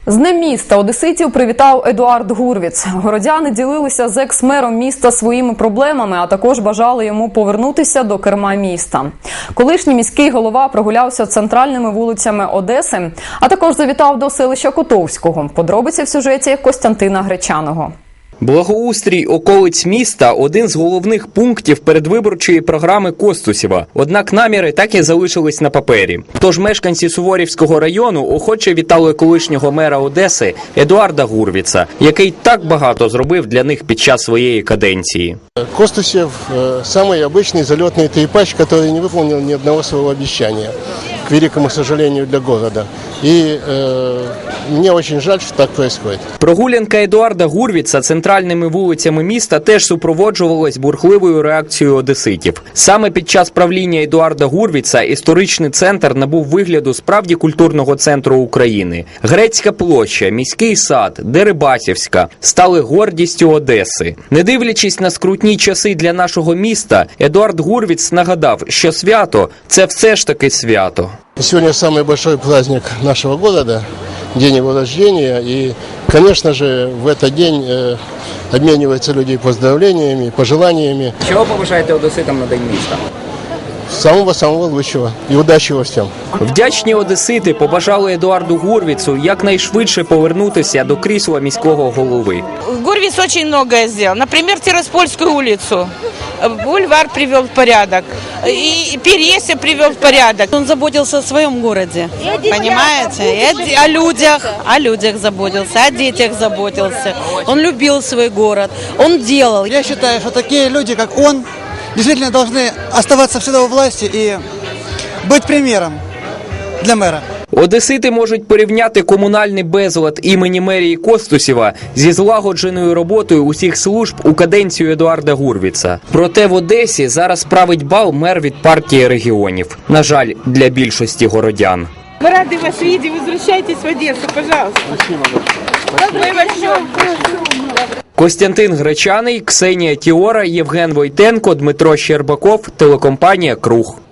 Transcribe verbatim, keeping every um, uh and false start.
З Днем міста одеситів привітав Едуард Гурвіц. Городяни ділилися з екс-мером міста своїми проблемами, а також бажали йому повернутися до керма міста. Колишній міський голова прогулявся центральними вулицями Одеси, а також завітав до селища Котовського. Подробиці в сюжеті Костянтина Гречаного. Благоустрій околиць міста – один з головних пунктів передвиборчої програми Костусєва. Однак наміри так і залишились на папері. Тож мешканці Суворівського району охоче вітали колишнього мера Одеси Едуарда Гурвіца, який так багато зробив для них під час своєї каденції. Костусев – самый обычный залетный трепач, который не выполнил ни одного своего обещания, к великому сожалению для города. И э, мне очень жаль, что так происходит. Прогулянка Едуарда Гурвіца центральними вулицями міста теж супроводжувалась бурхливою реакцією одеситів. Саме під час правління Едуарда Гурвіца історичний центр набув вигляду справді культурного центру України. Грецька площа, міський сад, Дерибасівська стали гордістю Одеси. Не дивлячись на скрутні часи для нашого міста, Едуард Гурвіц нагадав, що свято – це все ж таки свято. Сегодня самый большой праздник нашего города, день его рождения, и, конечно же, в этот день э, обмениваются люди поздравлениями, пожеланиями. Чого побажаєте одеситам на День міста? Самого-самого лучшего и удачи во всем. Вдячні одесити побажали Едуарду Гурвіцу якнайшвидше повернутися до крісла міського голови. Гурвиц очень многое сделал. Например, Тираспольскую улицу. Бульвар привел в порядок. И Пересье привел в порядок. Он заботился о своем городе, понимаете? И о людях, о людях заботился, о детях заботился. Он любил свой город, он делал. Я считаю, что такие люди, как он, действительно должны оставаться всегда у власти и быть примером для мэра. Одесити можуть порівняти комунальний безлад імені мерії Костусєва зі злагодженою роботою усіх служб у каденцію Едуарда Гурвіца. Проте в Одесі зараз править бал мер від партії регіонів. На жаль, для більшості городян. Мы рады вас видеть. Возвращайтесь в Одессу, пожалуйста. Спасибо. Костянтин Гречаний, Ксенія Тіора, Євген Войтенко, Дмитро Щербаков, телекомпанія «Круг».